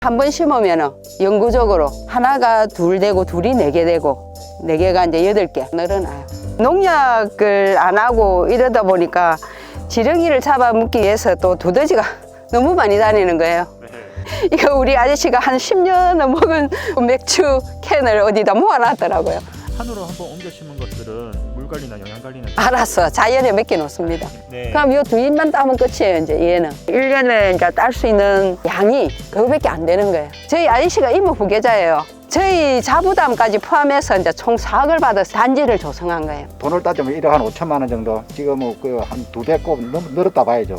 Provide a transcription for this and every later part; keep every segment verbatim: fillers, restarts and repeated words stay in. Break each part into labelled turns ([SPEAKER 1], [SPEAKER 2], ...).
[SPEAKER 1] 한 번 심으면 영구적으로 하나가 둘 되고 둘이 네 개 되고 네 개가 이제 여덟 개 늘어나요. 농약을 안 하고 이러다 보니까 지렁이를 잡아먹기 위해서 또 두더지가 너무 많이 다니는 거예요. 네. 이거 우리 아저씨가 한 십 년을 먹은 맥주 캔을 어디다 모아놨더라고요.
[SPEAKER 2] 산으로 한번 옮겨 심은 것들은 물 관리나 영양 관리는
[SPEAKER 1] 알았어. 자연에 맡겨 놓습니다.
[SPEAKER 2] 네.
[SPEAKER 1] 그럼 요 두 잎만 따면 끝이에요, 이제 얘는. 일 년에 이제 딸 수 있는 양이 그거밖에 안 되는 거예요. 저희 아저씨가 이모 부계자예요. 저희 자부담까지 포함해서 이제 총 사억을 받아서 단지를 조성한 거예요.
[SPEAKER 3] 돈을 따지면 일억 한 오천만 원 정도. 지금은 그 한 두 배꼽 늘었다 봐야죠.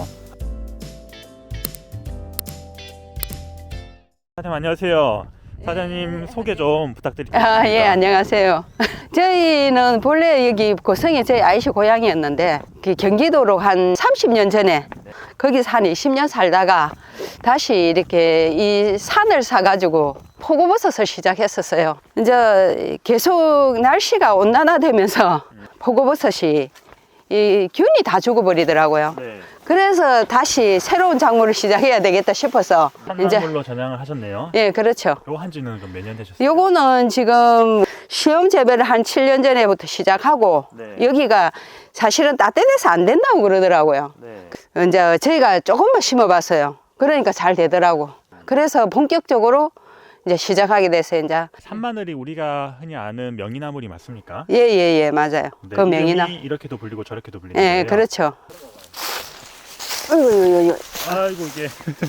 [SPEAKER 2] 사장님 안녕하세요. 사장님 소개 좀 부탁드립니다.
[SPEAKER 1] 아, 예, 안녕하세요. 저희는 본래 여기 고성이 저희 아이씨 고향이었는데 그 경기도로 한 삼십 년 전에 거기서 한 이십 년 살다가 다시 이렇게 이 산을 사가지고 포고버섯을 시작했었어요. 이제 계속 날씨가 온난화되면서 포고버섯이 이 균이 다 죽어버리더라고요.
[SPEAKER 2] 네.
[SPEAKER 1] 그래서 다시 새로운 작물을 시작해야 되겠다 싶어서 이제
[SPEAKER 2] 산나물로 전향을 하셨네요.
[SPEAKER 1] 예, 그렇죠.
[SPEAKER 2] 요 한지는 그럼 몇 년 되셨어요?
[SPEAKER 1] 요거는 지금 시험 재배를 한 칠 년 전에부터 시작하고
[SPEAKER 2] 네.
[SPEAKER 1] 여기가 사실은 따뜻해서 안 된다고 그러더라고요.
[SPEAKER 2] 네.
[SPEAKER 1] 이제 저희가 조금만 심어봤어요. 그러니까 잘 되더라고. 그래서 본격적으로 이제 시작하게 돼서 이제
[SPEAKER 2] 산마늘이 우리가 흔히 아는 명이나물이 맞습니까?
[SPEAKER 1] 예예예 예, 맞아요.
[SPEAKER 2] 네,
[SPEAKER 1] 그 명이나
[SPEAKER 2] 이름이 이렇게도 불리고 저렇게도 불리는
[SPEAKER 1] 예
[SPEAKER 2] 거예요.
[SPEAKER 1] 그렇죠. 어이구,
[SPEAKER 2] 아이고 이게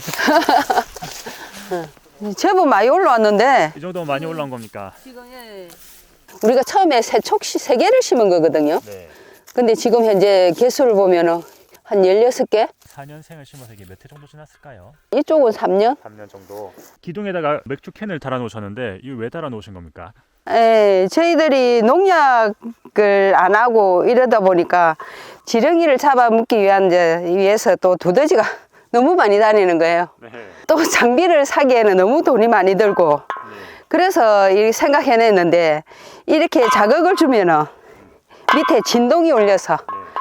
[SPEAKER 1] 제법 많이 올라왔는데
[SPEAKER 2] 이 정도면 많이 올라온 겁니까?
[SPEAKER 1] 지금 예. 우리가 처음에 세촉시 세 개를 심은 거거든요.
[SPEAKER 2] 네.
[SPEAKER 1] 근데 지금 현재 개수를 보면은 한 열여섯 개?
[SPEAKER 2] 사 년생을 심어서 이게 몇 해 정도 지났을까요?
[SPEAKER 1] 이쪽은 삼 년?
[SPEAKER 2] 삼 년 정도. 기둥에다가 맥주 캔을 달아 놓으셨는데 이거 왜 달아 놓으신 겁니까?
[SPEAKER 1] 예, 저희들이 농약을 안 하고 이러다 보니까 지렁이를 잡아먹기 위한 이제 위해서 또 두더지가 너무 많이 다니는 거예요.
[SPEAKER 2] 네.
[SPEAKER 1] 또 장비를 사기에는 너무 돈이 많이 들고 그래서 이 생각해냈는데 이렇게 자극을 주면은 밑에 진동이 울려서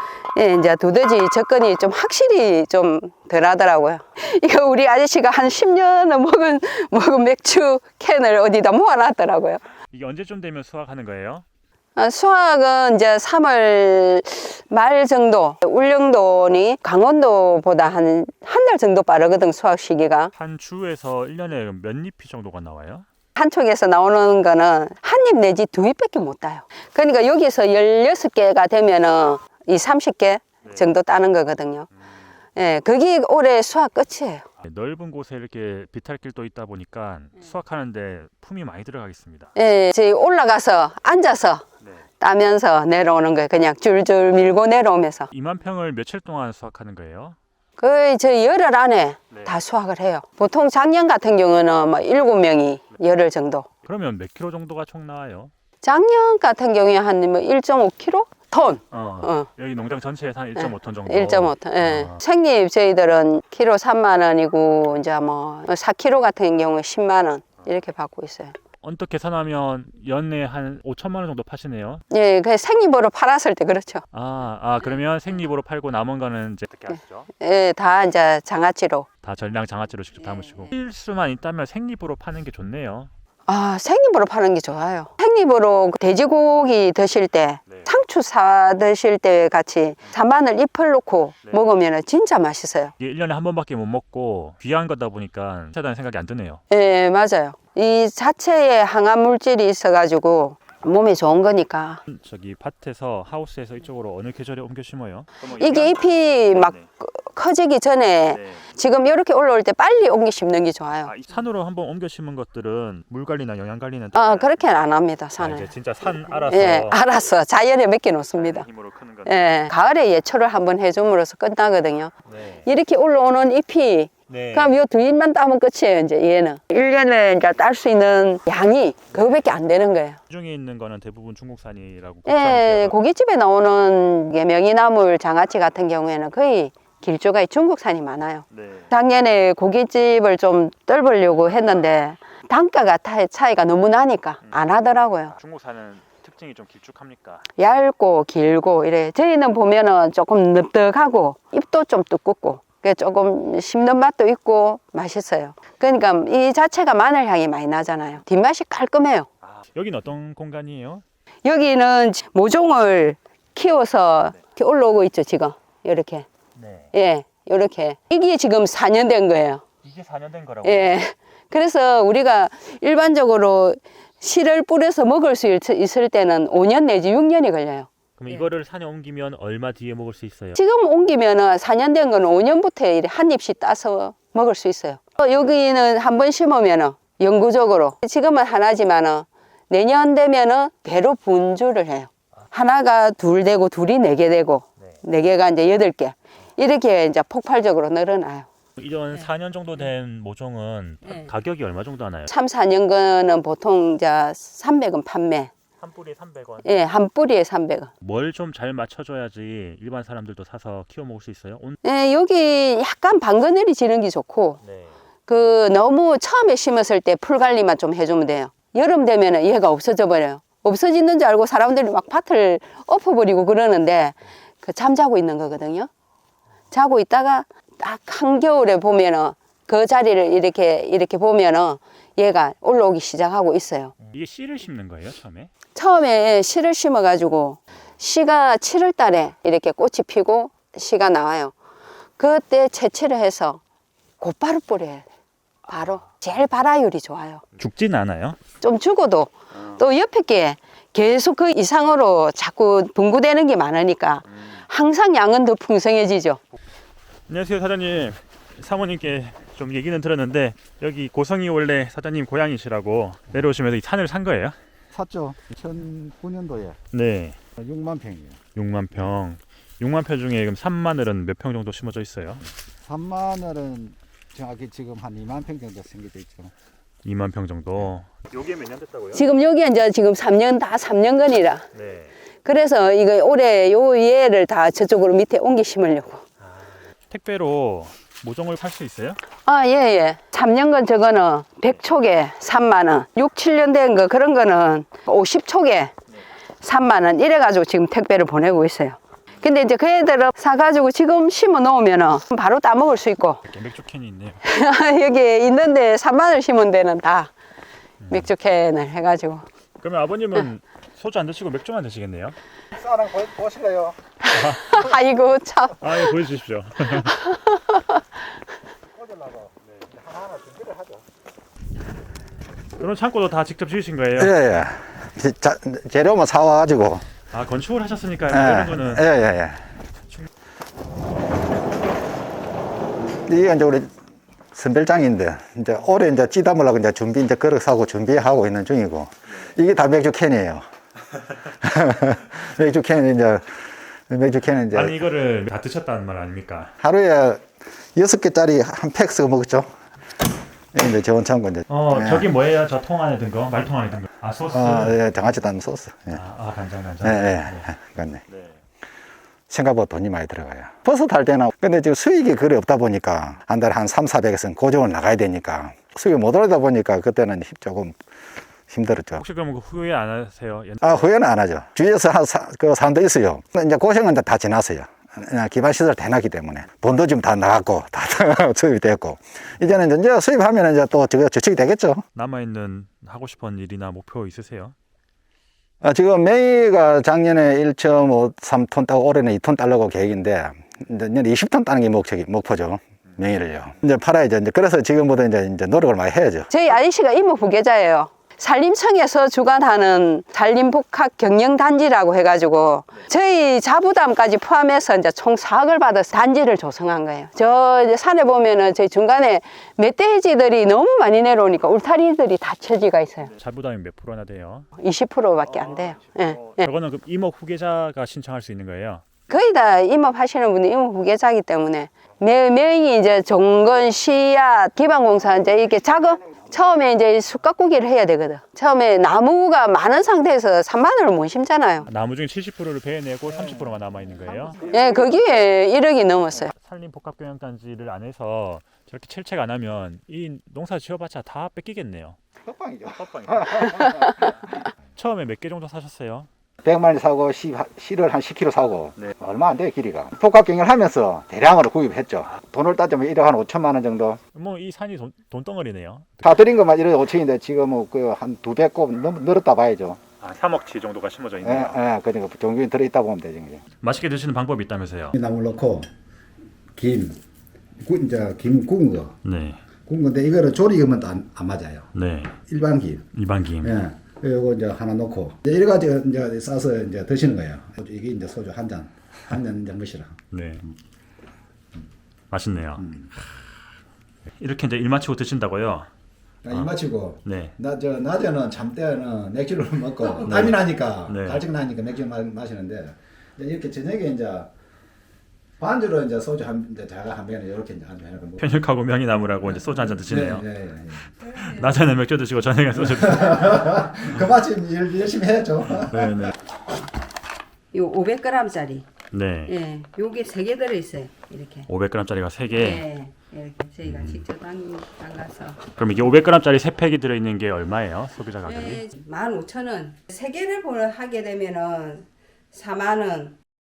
[SPEAKER 1] 예, 이제 두더지 접근이 좀 확실히 좀 덜 하더라고요. 이거 우리 아저씨가 한 십 년을 먹은, 먹은 맥주 캔을 어디다 모아놨더라고요.
[SPEAKER 2] 이게 언제쯤 되면 수확하는 거예요?
[SPEAKER 1] 아, 수확은 이제 삼월 말 정도. 울릉도니 강원도보다 한 한 달 정도 빠르거든, 수확 시기가.
[SPEAKER 2] 한 주에서 일 년에 몇 잎이 정도가 나와요?
[SPEAKER 1] 한쪽에서 나오는 거는 한 잎 내지 두 잎밖에 못 따요. 그러니까 여기서 열여섯 개가 되면은 이 삼십 개 정도 따는 거거든요. 예, 그게 올해 수확 끝이에요.
[SPEAKER 2] 넓은 곳에 이렇게 비탈길도 있다 보니까 수확하는데 품이 많이 들어가겠습니다.
[SPEAKER 1] 예, 저희 올라가서 앉아서
[SPEAKER 2] 네.
[SPEAKER 1] 따면서 내려오는 거예요. 그냥 줄줄 밀고 내려오면서.
[SPEAKER 2] 이만 평을 며칠 동안 수확하는 거예요?
[SPEAKER 1] 거의 저희 열흘 안에
[SPEAKER 2] 네.
[SPEAKER 1] 다 수확을 해요. 보통 작년 같은 경우는 뭐 일곱 명이 열흘 정도.
[SPEAKER 2] 그러면 몇 킬로 정도가 총 나와요?
[SPEAKER 1] 작년 같은 경우에 한 뭐 일 점 오 킬로그램? 톤.
[SPEAKER 2] 어,
[SPEAKER 1] 어.
[SPEAKER 2] 여기 농장 전체에서 한 일 점 오 톤 정도.
[SPEAKER 1] 일 점 오 톤. 예.
[SPEAKER 2] 아.
[SPEAKER 1] 생잎 저희들은 키로 삼만 원이고 이제 뭐 사 킬로그램 같은 경우에 십만 원 이렇게 받고 있어요.
[SPEAKER 2] 언뜻 계산하면 연내 한 오천만 원 정도 파시네요.
[SPEAKER 1] 예, 그 생잎으로 팔았을 때 그렇죠.
[SPEAKER 2] 아, 아 그러면 생잎으로 팔고 남은 거는 이제 어떻게 하시죠?
[SPEAKER 1] 예, 다 이제 장아찌로.
[SPEAKER 2] 다 전량 장아찌로 직접 담으시고. 필수만 있다면 생잎으로 파는 게 좋네요.
[SPEAKER 1] 아, 생잎으로 파는 게 좋아요. 생잎으로 돼지고기 드실 때,
[SPEAKER 2] 네.
[SPEAKER 1] 상추 사 드실 때 같이 산마늘 잎을 넣고
[SPEAKER 2] 네.
[SPEAKER 1] 먹으면 진짜 맛있어요.
[SPEAKER 2] 이게 일 년에 한 번밖에 못 먹고 귀한 거다 보니까 비싸다는 생각이 안 드네요.
[SPEAKER 1] 예, 맞아요. 이 자체에 항암 물질이 있어가지고 몸에 좋은 거니까.
[SPEAKER 2] 저기 밭에서 하우스에서 이쪽으로 어느 계절에 옮겨 심어요?
[SPEAKER 1] 이게 잎이 막
[SPEAKER 2] 네.
[SPEAKER 1] 커지기 전에
[SPEAKER 2] 네.
[SPEAKER 1] 지금 이렇게 올라올 때 빨리 옮겨 심는 게 좋아요.
[SPEAKER 2] 아, 이 산으로 한번 옮겨 심은 것들은 물 관리나 영양 관리는
[SPEAKER 1] 아, 그렇게는 안 합니다,
[SPEAKER 2] 아,
[SPEAKER 1] 산을.
[SPEAKER 2] 이제 진짜 산 알아서
[SPEAKER 1] 예, 알았어. 자연에 맡겨 놓습니다.
[SPEAKER 2] 힘으로 크는 거.
[SPEAKER 1] 예, 가을에 예초를 한번 해줌으로써 끝나거든요.
[SPEAKER 2] 네.
[SPEAKER 1] 이렇게 올라오는 잎이
[SPEAKER 2] 네.
[SPEAKER 1] 그럼 요 두 잎만 따면 끝이에요, 이제 얘는. 일 년에 이제 딸 수 있는 양이 그거밖에 안 되는 거예요.
[SPEAKER 2] 중에 있는 거는 대부분 중국산이라고.
[SPEAKER 1] 예, 고깃집에 나오는 게 명이나물 장아찌 같은 경우에는 거의 길조가 중국산이 많아요.
[SPEAKER 2] 네.
[SPEAKER 1] 작년에 고깃집을 좀 뚫으려고 했는데 단가가 차이가 너무 나니까 안 하더라고요.
[SPEAKER 2] 중국산은 특징이 좀 길쭉합니까?
[SPEAKER 1] 얇고 길고 이래. 저희는 보면은 조금 넓적하고 잎도 좀 두껍고 그 조금 씹는 맛도 있고 맛있어요. 그러니까 이 자체가 마늘 향이 많이 나잖아요. 뒷맛이 깔끔해요.
[SPEAKER 2] 여기는 어떤 공간이에요?
[SPEAKER 1] 여기는 모종을 키워서 이렇게 올라오고 있죠, 지금. 이렇게.
[SPEAKER 2] 네.
[SPEAKER 1] 예, 이렇게. 이게 지금 사 년 된 거예요.
[SPEAKER 2] 이게 사 년 된 거라고?
[SPEAKER 1] 예. 그래서 우리가 일반적으로 씨를 뿌려서 먹을 수 있- 있을 때는 오 년 내지 육 년이 걸려요.
[SPEAKER 2] 그럼 이거를 산에 옮기면 얼마 뒤에 먹을 수 있어요?
[SPEAKER 1] 지금 옮기면은 사 년 된 거는 오 년부터 한 입씩 따서 먹을 수 있어요. 어, 여기는 한 번 심으면은 영구적으로 지금은 하나지만은 내년 되면은 대로 분주를 해요. 하나가 둘 되고 둘이 네 개 되고
[SPEAKER 2] 네.
[SPEAKER 1] 네 개가 이제 여덟 개 이렇게 이제 폭발적으로 늘어나요.
[SPEAKER 2] 이런 사 년 정도 된 모종은
[SPEAKER 1] 네.
[SPEAKER 2] 가격이 얼마 정도 하나요?
[SPEAKER 1] 삼, 사 년 거는 보통 이제 삼백 원 판매.
[SPEAKER 2] 한 뿌리에 삼백 원.
[SPEAKER 1] 예, 한 뿌리에 삼백 원.
[SPEAKER 2] 뭘 좀 잘 맞춰줘야지 일반 사람들도 사서 키워 먹을 수 있어요? 온...
[SPEAKER 1] 예, 여기 약간 방그늘이 지는 게 좋고
[SPEAKER 2] 네.
[SPEAKER 1] 그 너무 처음에 심었을 때 풀 관리만 좀 해주면 돼요. 여름 되면은 얘가 없어져 버려요. 없어지는 줄 알고 사람들이 막 밭을 엎어버리고 그러는데 그 잠자고 있는 거거든요. 자고 있다가 딱 한겨울에 보면은 그 자리를 이렇게 이렇게 보면은 얘가 올라오기 시작하고 있어요.
[SPEAKER 2] 이게 씨를 심는 거예요, 처음에?
[SPEAKER 1] 처음에 씨를 심어가지고 씨가 칠월 달에 이렇게 꽃이 피고 씨가 나와요. 그때 채취를 해서 곧바로 뿌려야 돼요. 바로 제일 발화율이 좋아요.
[SPEAKER 2] 죽진 않아요?
[SPEAKER 1] 좀 죽어도 또 옆에 게 계속 그 이상으로 자꾸 분구되는 게 많으니까 항상 양은 더 풍성해지죠.
[SPEAKER 2] 안녕하세요, 사장님. 사모님께 좀 얘기는 들었는데 여기 고성이 원래 사장님 고향이시라고 내려오시면서 이 산을 산 거예요?
[SPEAKER 3] 샀죠. 이천구 년도에
[SPEAKER 2] 네.
[SPEAKER 3] 육만 평이에요.
[SPEAKER 2] 육만 평. 육만 평 중에 그럼 산마늘은 몇 평 정도 심어져 있어요?
[SPEAKER 3] 산마늘은 정확히 지금 한 이만 평 정도 생겨져 있죠.
[SPEAKER 2] 이만 평 정도. 요게 몇 년 됐다고요?
[SPEAKER 1] 지금 여기 이제 지금 삼 년 다 삼 년간이라
[SPEAKER 2] 네.
[SPEAKER 1] 그래서 이거 올해 요 얘를 다 저쪽으로 밑에 옮겨 심으려고.
[SPEAKER 2] 택배로 모종을 팔 수 있어요?
[SPEAKER 1] 아, 예, 예. 삼 년간 저거는 백 촉에 삼만 원, 육, 칠 년 된 거 그런 거는 오십 촉에 삼만 원 이래가지고 지금 택배를 보내고 있어요. 근데 이제 그 애들을 사가지고 지금 심어 놓으면은 바로 따먹을 수 있고
[SPEAKER 2] 이렇게 맥주 캔이 있네요.
[SPEAKER 1] 여기 있는데 삼만 원 심은 데는 다 맥주 캔을 해가지고.
[SPEAKER 2] 그러면 아버님은 소주 안 드시고 맥주만 드시겠네요?
[SPEAKER 3] 쌀은 보실래요?
[SPEAKER 1] 아이고, 참.
[SPEAKER 2] 아, 예, 보여주십시오.
[SPEAKER 3] 꽂으려고 하나하나 준비를 하죠.
[SPEAKER 2] 그럼 창고도 다 직접 지으신 거예요?
[SPEAKER 3] 예, 예. 자, 재료만 사와가지고.
[SPEAKER 2] 아, 건축을 하셨으니까
[SPEAKER 3] 예,
[SPEAKER 2] 이런 거는
[SPEAKER 3] 예, 예, 예. 이게 이제 우리 선별장인데, 이제 올해 이제 찌담으려고 이제 준비, 이제 그릇 사고 준비하고 있는 중이고, 이게 다 맥주 캔이에요. 맥주 캔, 이제, 맥주 캔은 이제
[SPEAKER 2] 아니 이거를 다 드셨다는 말 아닙니까?
[SPEAKER 3] 하루에 여섯 개짜리 한 팩 쓰고 먹죠. 이게 이제 저온 창고 이제.
[SPEAKER 2] 어,
[SPEAKER 3] 예.
[SPEAKER 2] 저기 뭐예요? 저 통 안에 든 거? 말통 안에 든 거? 아, 소스?
[SPEAKER 3] 아, 예, 장아찌 담는 소스. 예.
[SPEAKER 2] 아, 아, 간장, 간장.
[SPEAKER 3] 예, 예.
[SPEAKER 2] 네.
[SPEAKER 3] 맞네.
[SPEAKER 2] 네.
[SPEAKER 3] 생각보다 돈이 많이 들어가요. 버섯 할 때는, 근데 지금 수익이 그리 없다 보니까, 한 달에 한 삼, 사백에서는 고정을 나가야 되니까, 수익이 못 오르다 보니까, 그때는 힘- 조금 힘들었죠.
[SPEAKER 2] 혹시 그럼 후회 안 하세요? 옛-
[SPEAKER 3] 아, 후회는 안 하죠. 주위에서 한 사, 그 사람도 있어요. 근데 이제 고생은 다 지났어요. 그냥 기반시설 다 해놨기 때문에. 돈도 지금 다 나갔고, 다 수입이 됐고. 이제는 이제 수입하면 이제 또 저거 저축이 되겠죠.
[SPEAKER 2] 남아있는 하고 싶은 일이나 목표 있으세요?
[SPEAKER 3] 아, 지금 메이가 작년에 일 점 오삼 톤 따고 올해는 이 톤 따려고 계획인데, 이제 내년 이십 톤 따는 게 목적이, 목표죠. 명의를요. 이제 팔아야죠. 이제 그래서 지금보다 이제, 이제 노력을 많이 해야죠.
[SPEAKER 1] 저희 아저씨가 이모 부계자예요. 산림청에서 주관하는 산림복합 경영단지라고 해가지고 저희 자부담까지 포함해서 이제 총 사억을 받아서 단지를 조성한 거예요. 저 이제 산에 보면은 저희 중간에 멧돼지들이 너무 많이 내려오니까 울타리들이 다 쳐지가 있어요.
[SPEAKER 2] 자부담이 몇 프로나 돼요?
[SPEAKER 1] 이십 퍼센트밖에 안 돼요. 예, 예.
[SPEAKER 2] 저거는 그 임업 후계자가 신청할 수 있는 거예요?
[SPEAKER 1] 거의 다 임업하시는 분이 임업 후계자이기 때문에 매, 명이 이제 종건, 씨앗, 기반공사 이제 이렇게 작업 처음에 이제 숯가꾸기를 해야 되거든. 처음에 나무가 많은 상태에서 산마늘을 못 심잖아요.
[SPEAKER 2] 나무 중에 칠십 퍼센트를 베어내고 삼십 퍼센트만 남아있는 거예요?
[SPEAKER 1] 예, 거기에 일억이 넘었어요.
[SPEAKER 2] 산림복합경영단지를 안 해서 저렇게 철책 안 하면 이 농사 지어봤자 다 뺏기겠네요.
[SPEAKER 3] 헛방이죠.
[SPEAKER 2] 처음에 몇 개 정도 사셨어요?
[SPEAKER 3] 백만 원 사고 씨, 씨를 한 십 킬로그램 사고
[SPEAKER 2] 네.
[SPEAKER 3] 얼마 안 돼요 길이가. 복합경을 하면서 대량으로 구입했죠. 돈을 따지면 일억 한 오천만 원 정도.
[SPEAKER 2] 뭐 이 산이 돈, 돈덩어리네요.
[SPEAKER 3] 사들인 것만 이래 오천인데 지금은 그한 두 배 곱 늘었다 봐야죠.
[SPEAKER 2] 아, 삼억치 정도가 심어져
[SPEAKER 3] 예,
[SPEAKER 2] 있네요.
[SPEAKER 3] 예, 그러니까 종균이 들어있다 보면 되죠. 이제.
[SPEAKER 2] 맛있게 드시는 방법이 있다면서요?
[SPEAKER 4] 나물 넣고 김, 구, 이제 김 구운 거,
[SPEAKER 2] 네,
[SPEAKER 4] 구운 건데 이거를 조리하면 안, 안 맞아요.
[SPEAKER 2] 네.
[SPEAKER 4] 일반 김.
[SPEAKER 2] 일반 김.
[SPEAKER 4] 예. 그리고 이제 하나 넣고 이제 여러 가지 이제 싸서 이제 드시는 거예요. 소주, 이게 이제 소주 한 잔, 한 잔 이제 무시라.
[SPEAKER 2] 네. 맛있네요. 이렇게 이제 일 마치고 드신다고요?
[SPEAKER 4] 이 마치고
[SPEAKER 2] 네.
[SPEAKER 4] 나 저 낮에는 잠 때는 맥주를 먹고 땀이 나니까
[SPEAKER 2] 네.
[SPEAKER 4] 갈증 나니까 맥주 마, 마시는데 이제 이렇게 저녁에 이제 반주로 이제 소주 한 이제 자가 한 병에 이렇게 이제 한잔 해놓고.
[SPEAKER 2] 편육하고 명이나무라고 이제 소주 한 잔 드시네요.
[SPEAKER 4] 네, 네, 네.
[SPEAKER 2] 낮에는 맥주 드시고 저녁에 소주 드시고.
[SPEAKER 4] 그 마침 일 열심히 해야죠.
[SPEAKER 2] 네, 네.
[SPEAKER 1] 요 오백 그램짜리.
[SPEAKER 2] 네.
[SPEAKER 1] 예. 요게 세 개 들어 있어요. 이렇게.
[SPEAKER 2] 오백 그램짜리가 세 개.
[SPEAKER 1] 예. 이렇게 저희가 직접 담, 담가서.
[SPEAKER 2] 그럼 이게 오백 그램짜리 세 팩이 들어 있는 게 얼마예요? 소비자 가격이?
[SPEAKER 1] 예, 만 오천 원. 세 개를 보러 하게 되면은 사만 원.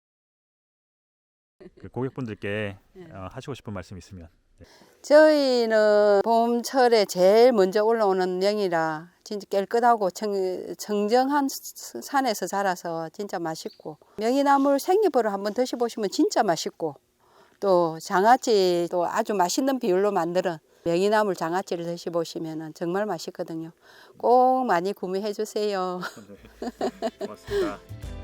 [SPEAKER 2] 그 고객분들께 어, 하시고 싶은 말씀 있으면.
[SPEAKER 1] 저희는 봄철에 제일 먼저 올라오는 명이라 진짜 깨끗하고 청, 청정한 스- 산에서 자라서 진짜 맛있고, 명이나물 생잎으로 한번 드셔보시면 진짜 맛있고, 또 장아찌 또 아주 맛있는 비율로 만드는 명이나물 장아찌를 드셔보시면 정말 맛있거든요. 꼭 많이 구매해 주세요.
[SPEAKER 2] 고맙습니다.